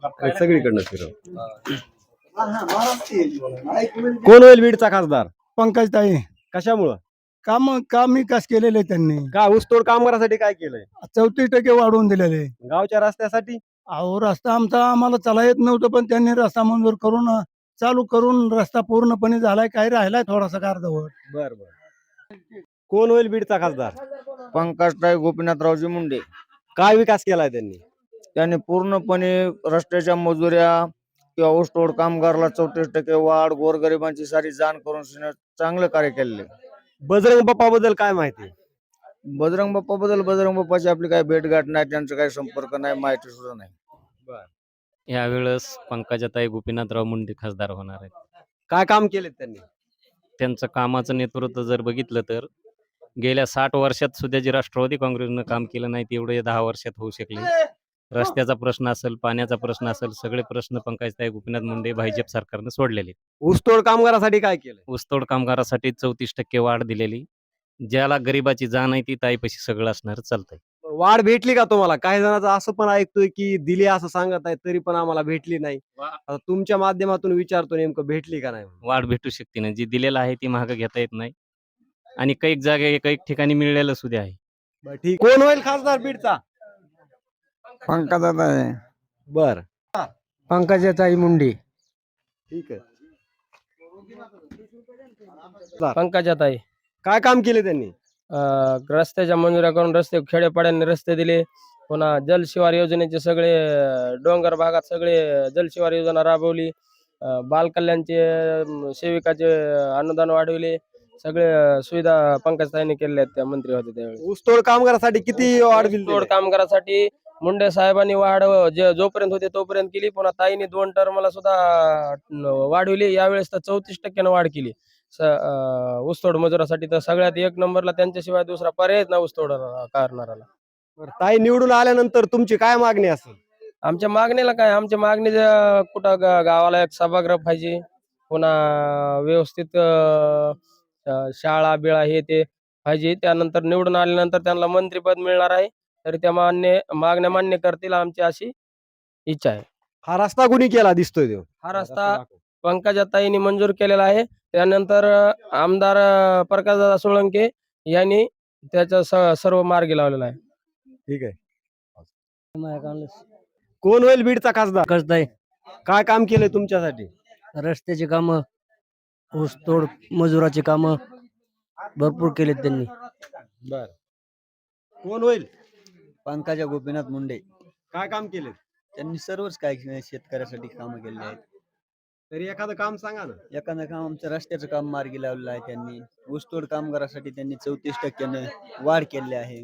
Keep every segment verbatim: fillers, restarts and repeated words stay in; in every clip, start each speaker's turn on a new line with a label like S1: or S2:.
S1: सगळीकडनं फिरव. कोण होईल बीडचा खासदार?
S2: पंकजताई
S1: कशामुळं?
S2: काम काम विकास केलेले त्यांनी
S1: का ऊसतोड कामगारासाठी काय केलंय?
S2: चौतीस टक्के वाढवून दिलेले.
S1: गावच्या रस्त्यासाठी?
S2: अहो रस्ता आमचा आम्हाला चला येत नव्हतं, पण त्यांनी रस्ता मंजूर करून चालू करून रस्ता पूर्णपणे झालाय. काही राहिलाय थोडासा अर्धवट.
S1: बर बर. कोण होईल बीडचा खासदार?
S3: पंकजताई गोपीनाथरावजी मुंडे.
S1: काय विकास केलाय त्यांनी?
S3: त्यांनी पूर्णपणे रस्त्याच्या मजुऱ्या किंवा ऊसतोड कामगारला चौतीस टक्के वाढ, गोरगरिबांची सारी जाण करून चांगलं कार्य केलेले.
S1: बजरंग बाप्पा बद्दल काय माहिती?
S3: बजरंग बाप्पा बद्दल बजरंग बाप्पाची आपली काही भेटगाठ नाही, त्यांचा काही संपर्क नाही, माहिती सुद्धा नाही.
S4: यावेळेस पंकजाताई गोपीनाथराव मुंडे खासदार होणार आहेत.
S1: काय काम केले त्यांनी?
S4: त्यांचं कामाचं नेतृत्व जर बघितलं तर गेल्या साठ वर्षात सुद्धा जे राष्ट्रवादी काँग्रेसनं काम केलं नाही तेवढे या दहा वर्षात होऊ शकले. रस्त्याचा प्रश्न असेल, पाण्याचा प्रश्न असेल, सगळे प्रश्न पंकजाताई गोपीनाथ मुंडे भाजप सरकारनं सोडलेले.
S1: ऊसतोड कामगारासाठी काय केलं?
S4: ऊसतोड कामगारासाठी चौतीस टक्के वाढ दिलेली. ज्याला गरिबाची जाण आहे ती ताईपाशी सगळं असणार चालतंय.
S1: वाढ भेटली का तुम्हाला? काही जणांचं असं पण ऐकतोय की दिली असं सांगत आहे, तरी पण आम्हाला भेटली नाही. आता तुमच्या माध्यमातून विचारतो, नेमकं भेटली का नाही?
S4: वाढ भेटू शकते ना, जी दिलेलं आहे ती महाग घेता येत नाही आणि काही जागे काही ठिकाणी मिळलेलं सुद्धा आहे.
S1: बरं, ठीक. कोण होईल खासदार बीडचा?
S3: पंकजाताई.
S1: बर,
S2: पंकजताई मुंडे.
S1: ठीक आहे.
S5: पंकजाताई
S1: काय काम केले त्यांनी?
S5: अं, रस्त्याच्या मंजुऱ्या करून रस्ते खेड्यापाड्यांनी रस्ते दिले. पुन्हा जलशिवार योजनेचे सगळे अं, डोंगर भागात सगळे जलशिवार योजना राबवली. अं, बालकल्याणचे अं, सेविकाचे अनुदान वाढवले. सगळे अं, सुविधा पंकजताईंनी केलेल्या आहेत, त्या मंत्री होते त्यावेळी.
S1: ऊसतोड कामगारासाठी किती वाढ दिली?
S5: तोड कामगारासाठी मुंडे साहेबांनी वाढ जे जोपर्यंत होते तोपर्यंत केली. पुन्हा ताईंनी दोन टर्मला सुद्धा अं, वाढवली. यावेळेस तर चौतीस टक्क्यानं वाढ केली स अं, ऊसतोड मजुरासाठी. तर सगळ्यात एक नंबरला त्यांच्याशिवाय दुसरा पर्याय ना ऊसतोड करणाराला.
S1: बरं, ताई निवडून आल्यानंतर तुमची काय मागणी असेल?
S5: आमच्या मागणीला काय, आमच्या मागणी ज- कुठं ग- गावाला एक सभागृह पाहिजे. पुन्हा व्यवस्थित अं, अं, शाळा बिळा हे ते पाहिजे. त्यानंतर निवडून आल्यानंतर त्यांना मंत्रीपद मिळणार आहे. तरी त्या मान्य मागण्या मान्य करतील आमची अशी इच्छा आहे.
S1: हा रस्ता कुणी केला दिसतोय तो?
S5: हा रस्ता पंकजाताईंनी मंजूर केलेला आहे. त्यानंतर अं, आमदार अं, प्रकाशदादा सोळंके यांनी त्याचा स- सर्व मार्गी लावलेला आहे.
S1: ठीक आहे. कोण होईल बीडचा खासदार?
S6: पंकजताई
S1: काय काम केलंय तुमच्यासाठी?
S6: रस्त्याची कामं, ऊसतोड मजुराची कामं भरपूर केलेत त्यांनी.
S1: बर, कोण होईल?
S3: पंकजा गोपीनाथ मुंडे.
S1: काय काम केले?
S3: त्यांनी सर्वच काही शेतकऱ्यासाठी कामं केलेली आहेत.
S1: तरी एखादं काम सांगा ना.
S3: एखादं काम आमचं रस्त्याचं काम मार्गी लावलेलं आहे त्यांनी. ऊसतोड कामगारासाठी त्यांनी चौतीस टक्क्यानं वाढ केली आहे.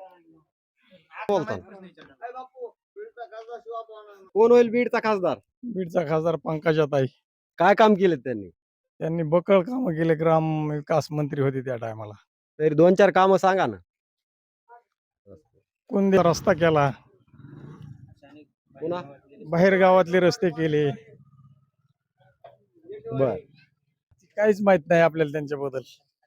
S1: कोण होईल बीडचा खासदार?
S2: बीडचा खासदार पंकजाताई.
S1: काय काम केले त्यांनी?
S2: त्यांनी बकळ कामं केले. ग्राम विकास मंत्री होते त्या टायमाला.
S1: तरी दोन चार कामं सांगा ना.
S2: कोणते रस्ता केला,
S1: पुन्हा?
S2: बाहेर गावातले रस्ते केले.
S1: बर,
S2: काहीच माहित नाही आपल्याला त्यांच्याबद्दल.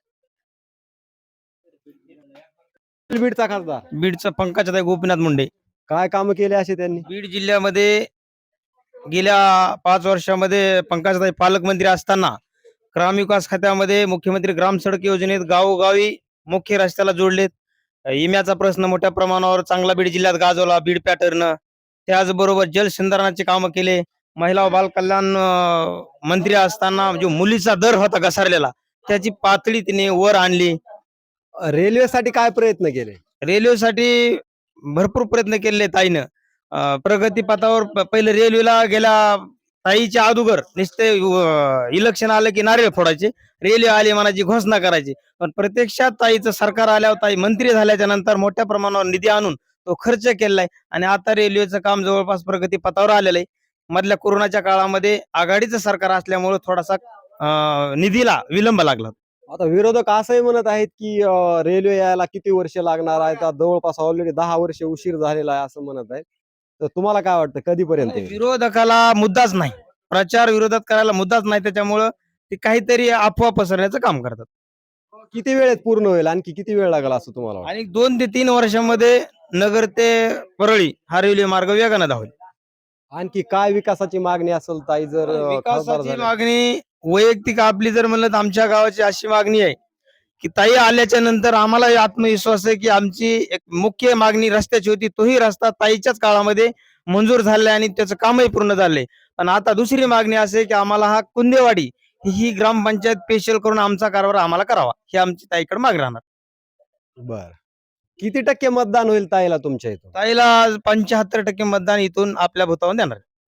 S1: बीडचा खासदार?
S7: बीडचा पंकजाताई गोपीनाथ मुंडे.
S1: काय काम केले असे त्यांनी?
S7: बीड जिल्ह्यामध्ये गेल्या पाच वर्षामध्ये पंकजाताई पालकमंत्री असताना ग्रामविकास खात्यामध्ये मुख्यमंत्री ग्राम सडक योजनेत गावोगावी मुख्य रस्त्याला जोडलेत. इम्याचा प्रश्न मोठ्या प्रमाणावर चांगला बीड जिल्ह्यात गाजवला बीड पॅटर्न. त्याचबरोबर जलसंधारणाचे कामं केले. महिला व बाल कल्याण अं, मंत्री असताना जो मुलीचा दर होता घसरलेला त्याची पातळी तिने वर आणली.
S1: रेल्वेसाठी काय प्रयत्न केले?
S7: रेल्वेसाठी भरपूर प्रयत्न केले ताईनं. अं, प्रगती पथावर प- पहिले रेल्वेला गेल्या ताईच्या अगोदर नुसते इलेक्शन आलं की नारळ फोडायचे, रेल्वे आली मनाची घोषणा करायची. पण प्रत्यक्षात ताईचं सरकार आल्यावर ताई मंत्री झाल्याच्या नंतर मोठ्या प्रमाणावर निधी आणून तो खर्च केलाय आणि आता रेल्वेचं काम जवळपास प्रगती पथावर आलेलं आहे. मधल्या कोरोनाच्या काळामध्ये आघाडीचं सरकार असल्यामुळे थोडासा अं, निधीला विलंब लागला.
S1: आता विरोधक असंही म्हणत आहेत की अं, रेल्वे यायला किती वर्ष लागणार आहे? आता जवळपास ऑलरेडी दहा वर्ष उशीर झालेला आहे असं म्हणत आहेत. तर तुम्हाला काय वाटतं कधीपर्यंत येईल?
S7: विरोधकाला मुद्दाच नाही, प्रचार विरोधात करायला मुद्दाच नाही, त्याच्यामुळं ते काहीतरी अफवा पसरण्याचं काम करतात.
S1: किती वेळेत पूर्ण होईल? आणखी किती वेळ लागेल असं तुम्हाला वाटतं?
S7: आणि दोन ते तीन वर्षामध्ये नगर ते परळी हा रेल्वे मार्ग वेगानं धावेल.
S1: आणखी काय विकासाची मागणी असेल ताई जर अं, खासदार
S7: विकासाची
S1: झाल्या?
S7: मागणी वैयक्तिक आपली जर म्हणलं तर आमच्या गावाची अशी मागणी आहे की ताई आल्याच्या नंतर आम्हाला आत्मविश्वास आहे की आमची एक मुख्य मागणी रस्त्याची होती, तोही रस्ता ताईच्याच काळामध्ये मंजूर झालाय आणि त्याचं कामही पूर्ण झालंय. पण आता दुसरी मागणी अशी आहे की आम्हाला हा कुंदेवाडी ही ग्रामपंचायत स्पेशल करून आमचा कारभार आम्हाला करावा, ही आमची ताईकडे मागणी राहणार.
S1: बर किती टक्के मतदान होईल ताईला तुमच्या इथं?
S7: ताईला पंच्याहत्तर टक्के मतदान इथून आपल्या भूतावर देणार.